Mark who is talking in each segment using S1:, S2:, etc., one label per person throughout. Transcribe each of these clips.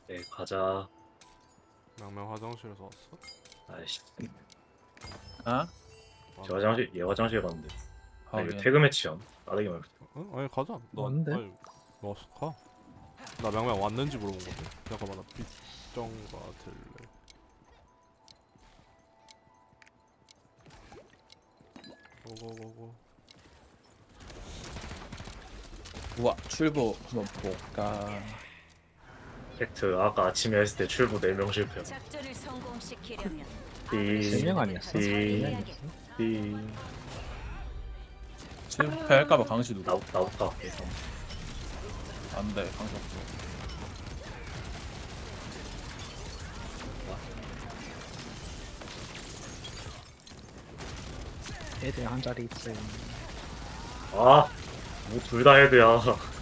S1: 네, 가자.
S2: 양명 화장실에서 왔어?
S1: 아이씨,
S3: 아?
S1: 저 화장실, 얘 화장실 갔는데. 아, 이거
S3: 하긴.
S1: 태그 매치야. 빠르게 말해.
S2: 응? 아니 가자. 너
S4: 왔는데?
S2: 아니 너 가. 나 명명 왔는지 물어본 건데. 잠깐만 나 빗정가 들래. 고고고고.
S3: 우와 출구 한번 볼까.
S1: 팩트, 아까 아침에 했을 때 출구 4명 실패.
S5: 작전을 성공시키려면
S1: 띠,
S4: 3명 아니었어?
S1: 띠,
S4: 4명 아니었어?
S1: 띠.
S3: 실패할까봐 강시 누구?
S1: 나부터 할게.
S3: 안돼 강시 없어.
S4: 애들 한 자리 있어요.
S1: 아, 뭐 둘 다 헤드야.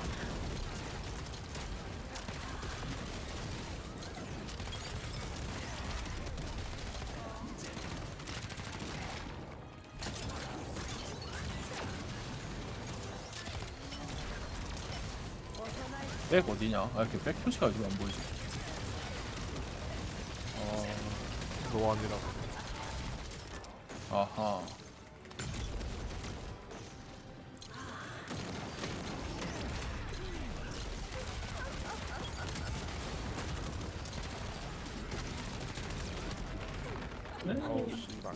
S3: 백 어디냐? 아 이렇게 백 표시가 지금 안 보이지?
S2: 노안이라고.
S3: 아하.
S2: 어우 씨발.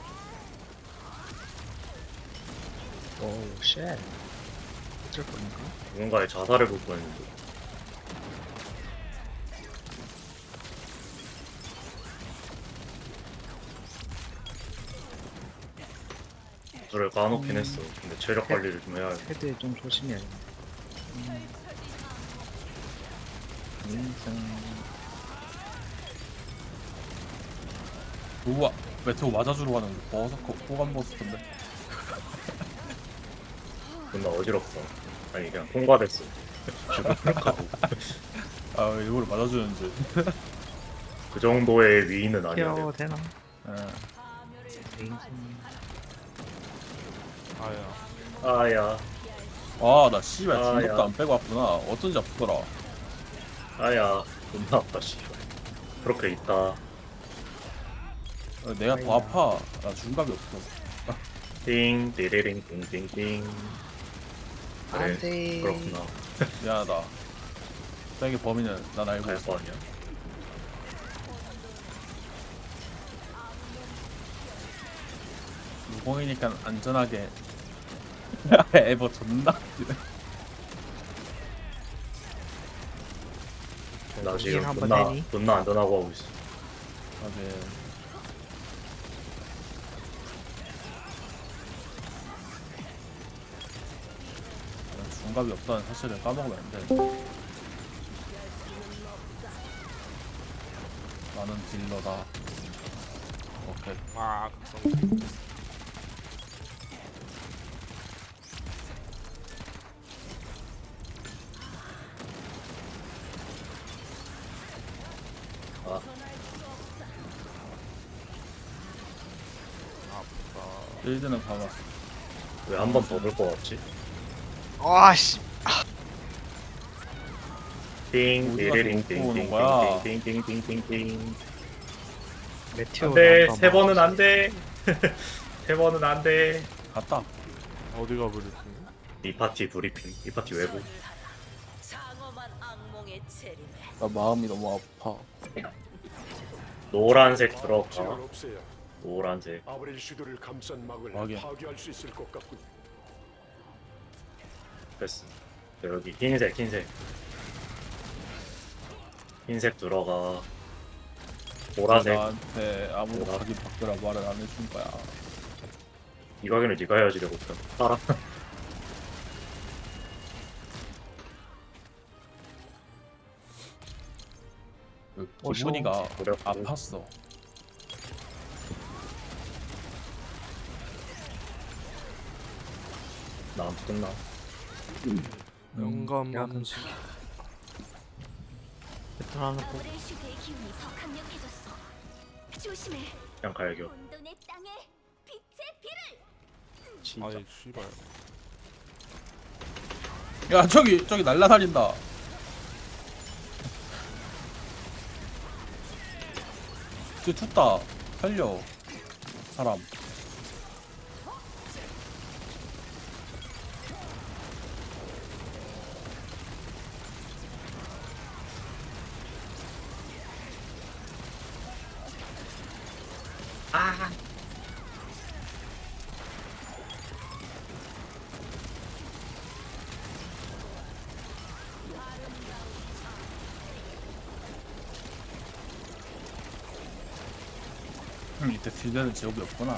S4: 오우 쉣. 어쩔 겁니까?
S1: 누군가의 자살을 볼 뻔했는데. 저를 까놓긴 했어. 근데 체력 관리를 좀 해야 돼.
S4: 헤드에 좀 조심해야겠네. 인생.
S3: 우와 메테오 맞아주러 가는 버서커 호감 버스인데.
S1: 존나 어지럽다. 아니, 그냥 통과됐어. 지금 생각하고.
S3: 아 일부러 맞아주는지.
S1: 그 정도의 위인은 아니야.
S4: 케어 되나?
S3: 예.
S4: 인생.
S2: 아야.
S1: 아야,
S3: 아나 씨발
S1: 아,
S3: 중독도
S1: 야.
S3: 안 빼고 왔구나. 어쩐지 아프더라.
S1: 아야. 존나 아파, 씨발. 그렇게 있다.
S3: 내가 더 아파. 나 중갑이 없어.
S1: 띵, 띠리링, 띵띵띵. 그래,
S4: 안돼.
S1: 그렇구나.
S3: 미안하다. 백의 범인은 난 알고
S1: 갈
S3: 있어.
S1: 거 아니야.
S3: 무공이니까 안전하게. 에버 존나. 웃기네.
S1: 나 지금
S4: 한번
S1: 존나,
S4: 해니?
S1: 존나 안전하고 하고 있어.
S3: 하긴. 중갑이 없다는 사실을 까먹으면 안 돼. 나는 딜러다. 오케이.
S2: 아 극성.
S1: 아,
S2: 아프다.
S3: 빌드는 가봤어.
S1: 왜 한 번 더 볼 거 같지?
S4: 와씨.
S1: 띵,
S3: 어디 가서
S1: 띠리링,
S3: 먹고 오는 거야?
S1: 띵띵띵띵띵띵띵.
S4: 메테오.
S1: 안 돼, 3번은 안 돼. 3번은 안 돼.
S3: 갔다.
S2: 어디가 브리핑?
S1: 이 파티 브리핑, 이 파티 외부.
S5: 장엄한 악몽의 재림에
S3: 나 마음이 너무 아파.
S1: 노란색 들어가.
S6: 지원 없애야
S1: 노란색.
S6: 아브렐 슈도를 감싼 막을
S3: 확인.
S6: 파괴할 수 있을 것 같군.
S1: 됐어. 여기 흰색, 흰색. 흰색 들어가. 보라색.
S3: 나한테 아무도
S1: 보라.
S3: 자기 바꾸라 말을 안 해준 거야.
S1: 이 가게는 네가 해야지 내가 못해. 따라.
S3: 그
S4: 어쇼.
S3: 기분이가
S1: 그래.
S3: 아팠어.
S1: 나안 끝나.
S2: 영감
S4: 약간
S2: 감시.
S4: 패턴 하나 보.
S5: 아브렐 슈드의 기운이 더 강력해졌어. 조심해.
S1: 그냥 갈겨.
S5: 혼돈의 땅에 빛의 비를.
S1: 진짜.
S2: 아이 씨발.
S3: 야 저기 날라다닌다. 쟤 tus다 살려 사람. 이때 딜되는 제곱이 없구나.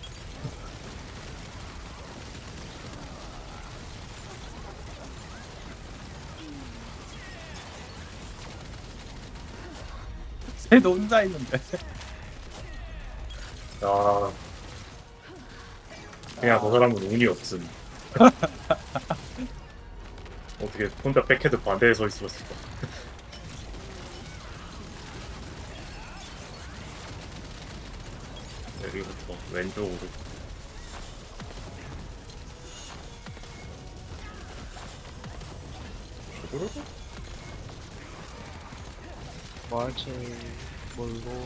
S3: 쟤도 혼자 있는데.
S1: 야 그냥 저 사람은 운이 없음. 어떻게 혼자 백헤드 반대에 서 있었을까? 여기부터 왼쪽으로.
S4: 뭐할지 모르고.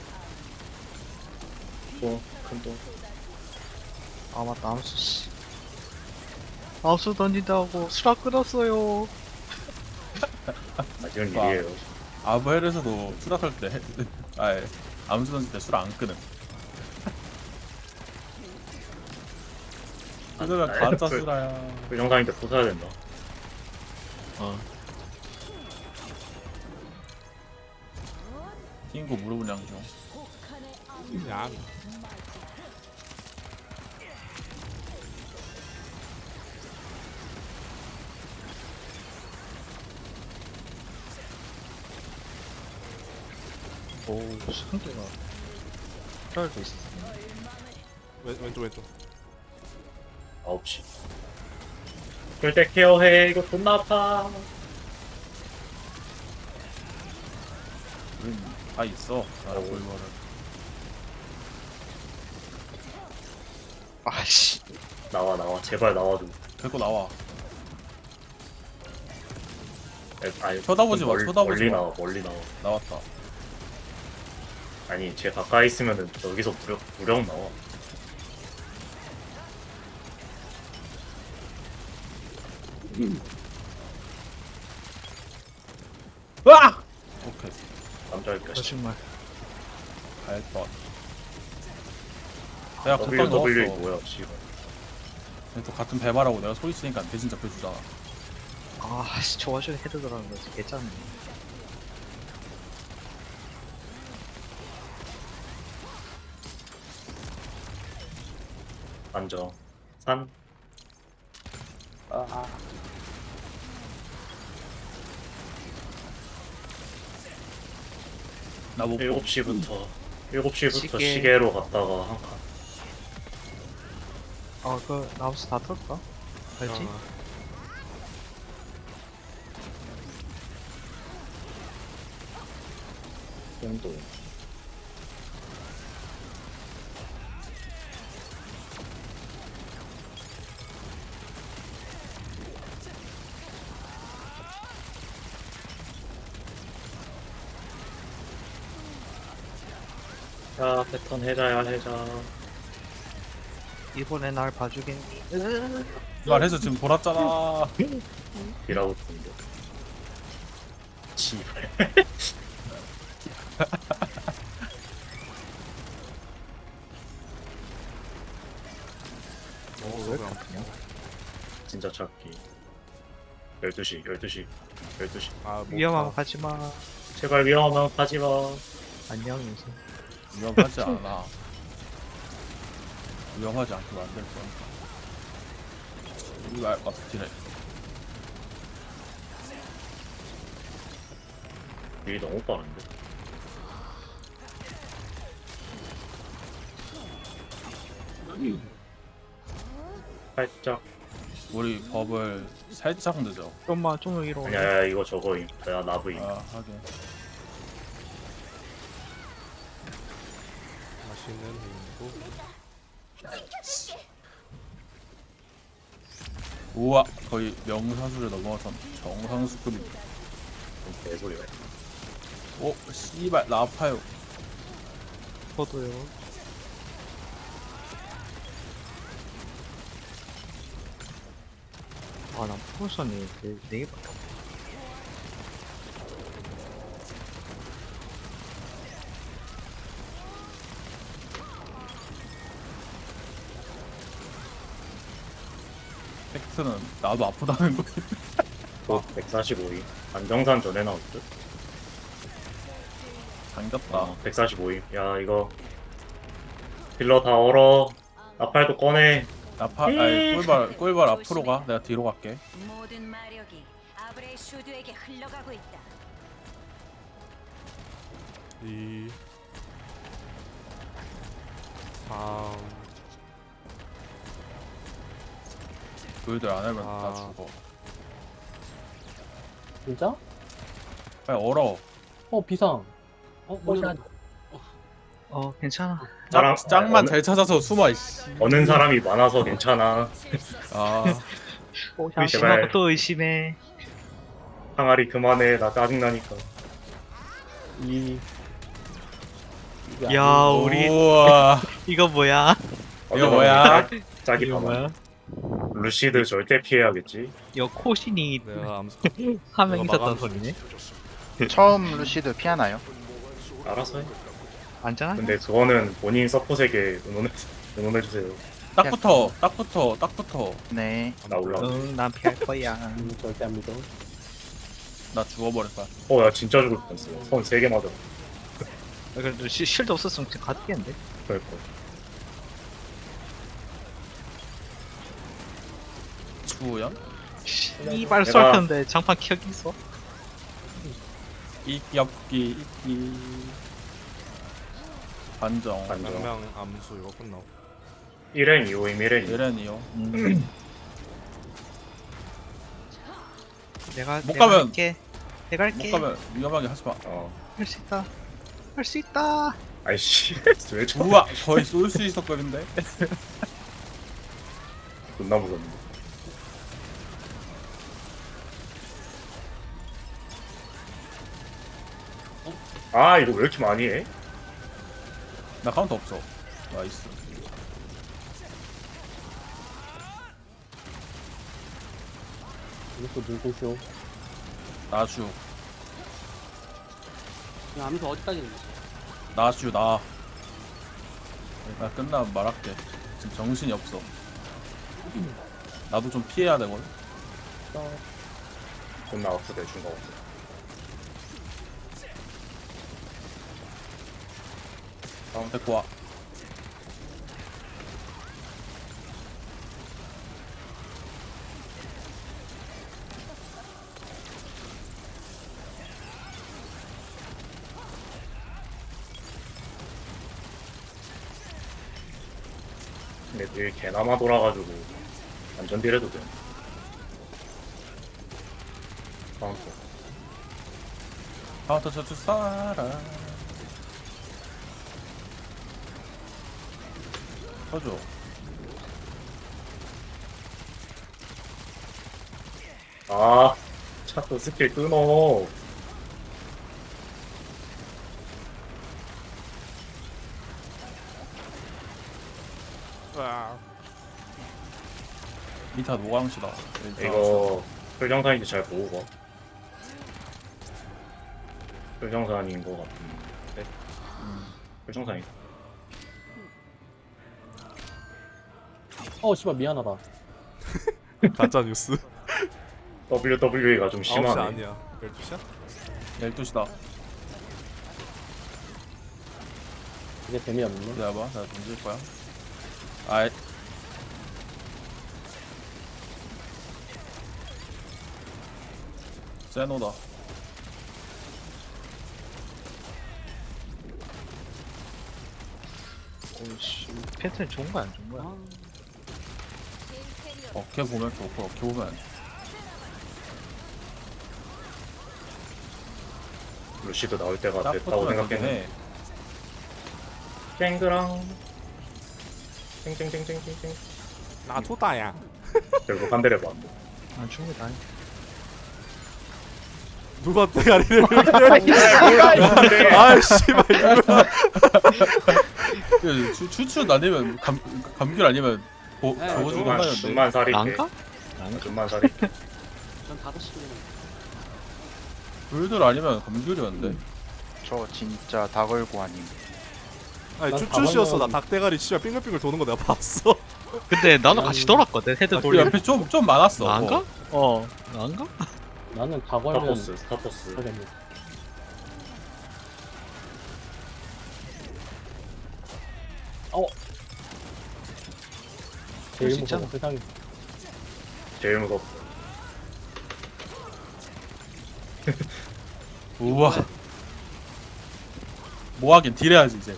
S1: 큰 돈.
S4: 아 맞다 암수 씨. 암수 던진다고 수락 끊었어요.
S1: 아직은
S3: 와.
S1: 일이에요.
S3: 아부헬에서도 수락할 때, 아예 암수 던질 때 술 안 끄는. 그거가 가짜 수라야.
S1: 그 영상인데 또 사야 된다.
S3: 띵고 무릎은 양중.
S2: 양.
S4: 오 상대가 필요할도 있어.
S2: 왼쪽.
S1: 9시. 절대 케어해. 이거 존나 아파.
S3: 우린 다 있어. 나라
S1: 오.
S3: 골고루.
S4: 아씨.
S1: 나와. 제발 나와줘.
S3: 데리고 나와.
S1: 아니,
S3: 쳐다보지 마, 쳐다보지 마.
S1: 멀리 나와.
S3: 나왔다.
S1: 아니, 쟤 가까이 있으면은 여기서 무력 나와.
S3: 으악! 오케이.
S1: 남자일 것
S4: 거짓말.
S3: 알것. 내가 급방
S1: WWE
S3: 넣었어.
S1: 뭐야, 씨발.
S3: 근데 또 같은 배바라고 내가 소리 치니까 대신 잡혀주잖아.
S4: 아씨 저 와중에 헤드 들어가는 거지 개짱네.
S1: 안정. 산.
S3: 나못 보.
S1: 7시부터
S4: 시계.
S1: 시계로 갔다가 한 칸.
S4: 아그 암수 다 털까? 알지?
S1: 정도. 야, 패턴 해자.
S4: 이번에 날 봐주겠니?
S3: 말해서 지금 돌았잖아.
S1: 이라고 부른다. 씨발.
S4: 왜 그렇냐?
S1: 진짜 찾기. 12시.
S2: 아,
S4: 위험하면 가지마.
S1: 제발 위험하면 가지마.
S4: 안녕 인생.
S3: 위험하지 않아. 위험하지 않게 만들 거야. 이거 알것 같아, 딜해.
S1: 일이 너무 빠른데. 살짝.
S3: 우리 법을 살짝 늦어.
S4: 좀만 좀 위로.
S1: 아니야, 이거 저거임. 야, 나브임.
S3: 아, 하긴.
S2: 맛있는 행복.
S3: 우와, 거의 명사수를 넘어선 정상수급입니다.
S1: 개소리야.
S3: 오, 씨발, 나 아파요.
S4: 저도요. 아, 난 포션이 4개밖에 없어.
S3: 팩트는 나도 아프다는 거.
S1: 곧 145위. 안정산 전에 나올 듯?
S3: 당겼다.
S1: 145위. 야, 이거. 딜러 다 얼어. 나팔도 꺼내.
S3: 아니 꿀발 앞으로 가. 내가 뒤로 갈게.
S5: 모든 마력이 아브레 슈드에게 흘러가고 있다.
S2: 2 3
S3: 너희들 안 하면
S2: 아.
S3: 다 죽어.
S7: 진짜?
S3: 빨리 얼어.
S7: 비상. 뭐야?
S4: 괜찮아.
S3: 짱만
S1: 어느-
S3: 잘 찾아서 숨어 이씨.
S1: 어는 사람이 많아서 괜찮아.
S3: 아
S4: 의심하고 또 의심해.
S1: 항아리 그만해. 나 짜증나니까.
S4: 야, 우리
S3: 우와.
S4: 이거 뭐야?
S3: 이거 뭐야?
S1: 짝이
S4: 이거
S1: 봐봐.
S4: 뭐야?
S1: 루시드 절대 피해야겠지.
S4: 이거 코신이
S2: 내가 암수
S4: 한 명
S2: 내가
S4: 있었던
S2: 마감-
S4: 소리네.
S8: 처음 루시드 피하나요?
S1: 알아서 해.
S4: 안전한?
S1: 근데 그거는 본인 서폿에게 응원해주세요.
S3: 딱 붙어.
S8: 네.
S1: 나 올라가.
S4: 응, 난 피할 거야.
S7: 절대 안 믿어.
S3: 나 죽어버릴 거야.
S1: 야, 진짜 죽을 뻔했어. 손 3개 맞아.
S4: 그래도 실드 없었으면 그냥 가겠는데?
S1: 그럴거.
S3: 주연?
S4: 이발 쏠렸는데 장판 켜기 있어?
S3: 이끼 반정.
S1: 반정.
S2: 명명 암수 이거 끝나고
S1: 1엔 2호임 1엔 2호.
S3: 예렌이요.
S4: 내가
S3: 못 가면-
S4: 할게. 내가
S3: 못
S4: 할게.
S3: 가면 위험하게 하지 마.
S4: 할 수 있다. 할 수 있다.
S1: 아이씨. 왜 저?
S3: 우와 거의 쏠 수 있었거든데.
S1: 존나 무섭네. 아, 이거 왜 이렇게 많이 해?
S3: 나 카운터 없어. 나이스.
S7: 이것도 눈꽃쇼.
S3: 나주.
S7: 야, 암수 어디까지 있는
S3: 나주 나. 나 끝나면 말할게. 지금 정신이 없어. 나도 좀 피해야 되거든.
S1: 존나 없어 대충 거 없어.
S3: 데리고 와.
S1: 근데 되게 개나마 돌아가지고 완전 딜해도 돼. 카운터.
S3: 카운터 쳐줄 사람. 쳐줘.
S1: 아, 자꾸 스킬 끊어.
S3: 미타 노광시다.
S1: 이거 설정산인지 잘 보고 가. 설정산인 거 같은데. 설정산이.
S7: 씨발 미안하다.
S2: 가짜 뉴스
S1: WWE가 좀
S2: 9시
S1: 심하네.
S2: 아니야 12시야?
S3: 12시다.
S7: 이제 재미없네.
S3: 기다려봐. 내가 던질 거야. 아이. 세노다.
S4: 오씨, 패턴 좋은 거야 안 좋은 거야?
S3: 어깨 보면 좋고 어깨 보면 안 좋아.
S1: 루시드 나올 때가
S3: 딱
S1: 됐다고
S3: 붙으면
S1: 생각했네.
S3: 해.
S1: 쨍그랑 쨍쨍쨍쨍쨍쨍.
S2: 나 토다야
S1: 결국 한 대를 봐.
S4: 안 죽는 다
S2: 누가 대가리를 이렇게 아이 씨발 누가
S3: 추출 아니면 감귤 아니면
S7: 네,
S3: 저거 주고
S1: 좀만
S3: 하는데.
S1: 좀만 살릴게.
S4: 난가?
S1: 좀만 살릴게.
S7: 전 5시면
S3: 불들 아니면 감귤이었는데.
S8: 저 진짜 다 걸고 아님.
S2: 아니
S7: 난
S2: 쭈쭈씨였어. 나
S7: 가방은-
S2: 닭대가리 씨발 빙글빙글 도는 거 내가 봤어.
S4: 근데 나도 같이 돌았거든 헤드
S3: 그
S4: 돌리면.
S3: 옆에 좀 많았어.
S4: 난가? 난가?
S7: 나는 다 걸면
S1: 스타포스.
S7: 되겠네. 제일
S4: 수 있잖아.
S7: 무서워 세상에.
S1: 제일 무섭어.
S3: 우와. 뭐 하긴 딜해야지 이제.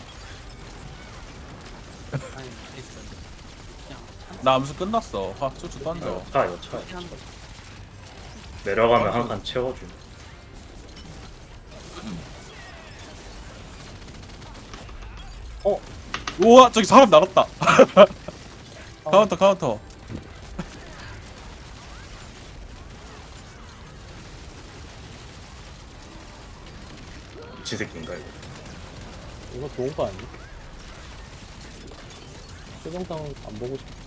S7: 아니 있어. 그냥
S3: 나 암수 끝났어. 추출 던져.
S1: 이거 차.
S7: 하는 거.
S1: 내려가면 한 칸 채워줌.
S3: 우와 저기 사람 나갔다. 카운터.
S1: 미친 새끼인가 이거.
S7: 이거 좋은 거 아니야? 최종상 안 보고 싶어.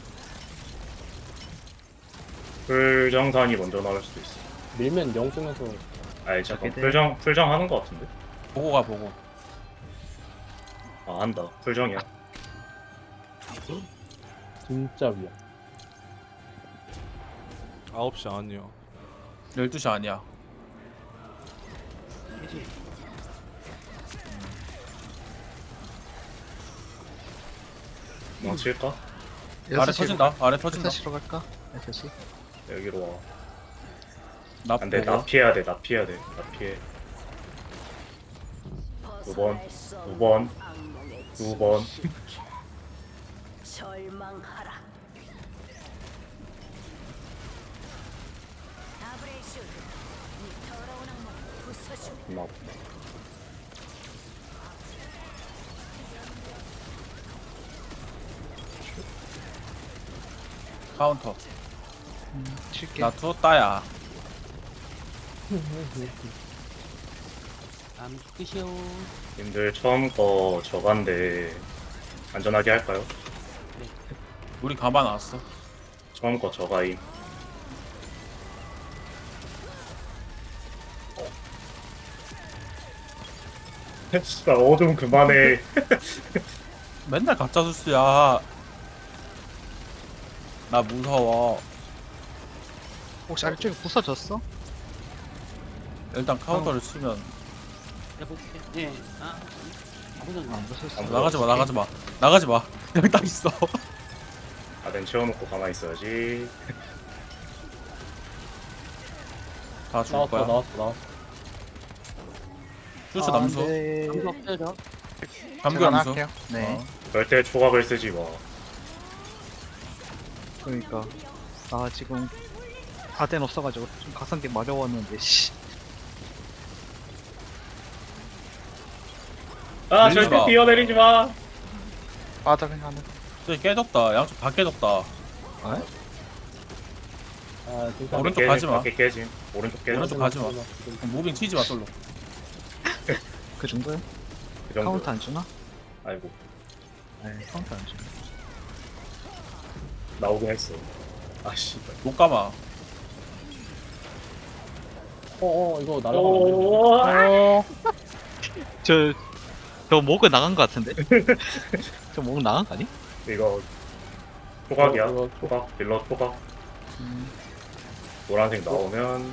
S1: 풀정산이 먼저 나올 수도 있어.
S7: 밀면 영 뜨면서
S1: 아니 잠깐
S4: 저게
S1: 풀정 하는 거 같은데?
S3: 보고 가 보고.
S1: 아 한다. 풀정이야.
S7: 진짜 위야.
S2: 9시 아니야.
S3: 12시 아니야.
S1: 망칠까?
S3: 아래 터진다. 아래 터진다.
S4: 6시로 갈까? 6시?
S1: 여기로 와.
S3: 나
S1: 안돼
S3: 보고.
S1: 나 피해야 돼. 나 피해. 9번 9번
S5: 절망하라. 아브레이슈, 이 더러운 악몽 부숴주마.
S1: 고마워.
S3: 카운터.
S4: 칠게.
S3: 나 투따야.
S7: 암 끝이요.
S1: 님들 처음 거 저간데 안전하게 할까요?
S3: 우리 가만 왔어.
S1: 처음 거 저가임. 진짜 어둠 그만해.
S3: 맨날 가짜 수수야. 나 무서워.
S4: 혹시 아래쪽에 부서졌어?
S3: 일단 카운터를 치면
S7: 해볼게. 예. 아무튼
S4: 안 부서졌어.
S3: 나가지 마. 여기 딱 있어.
S1: 아덴 채워놓고 가만히 있어야지.
S3: 다 죽을 거야.
S7: 나왔어.
S3: 추출 남수.
S7: 암수 없어져.
S3: 감귤
S8: 제가
S3: 남수.
S8: 할게요. 네.
S3: 어.
S1: 절대 초각을 쓰지 마.
S4: 그러니까 나 지금 아덴 없어가지고 좀 각성기 마려웠는데 씨.
S1: 아
S3: 밀리지
S1: 절대
S3: 마.
S1: 뛰어내리지 마.
S8: 바닥에 하는.
S3: 저기 깨졌다. 양쪽 다 깨졌다.
S7: 어, 아 진짜.
S3: 오른쪽 가지 마.
S1: 밖에 깨짐. 오른쪽 깨짐.
S3: 오른쪽 가지 마. 무빙 치지 마 솔로.
S4: 그 정도야?
S1: 그 정도.
S4: 카운트 안 주나?
S1: 아이고
S4: 네 카운트 안 주나.
S1: 나오긴 했어. 아씨.
S3: 못 감아.
S7: 이거 날아가면
S4: 저 목은 나간 거 같은데? 저 목은 나간 거 아니?
S1: 이거 초각이야.
S7: 이거
S1: 초각. 빌러 초각. 노란색 나오면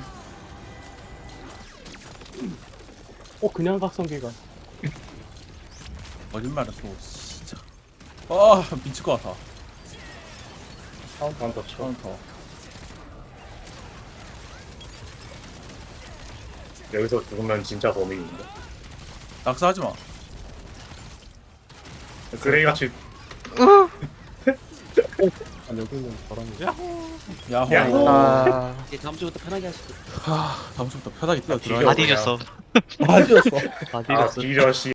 S7: 그냥 각성기가.
S3: 거짓말을 또 진짜. 미칠 것 같아.
S1: 카운터 쳐.
S3: 카운터.
S1: 여기서 죽으면 진짜 범인인데.
S3: 낙사하지 마.
S1: 쓰레기같이.
S7: 여기는 저런.
S3: 야호.
S1: 야호.
S8: 아,
S7: 이제 다음 주부터 편하게 하시고.
S3: 다음 주부터 편하게 뛰어
S1: 뒤져.
S3: 들어야
S4: 다 뒤졌어.
S7: 다 뒤졌어.
S4: 다
S1: 아
S4: 뒤졌어.
S1: 뒤져 씨.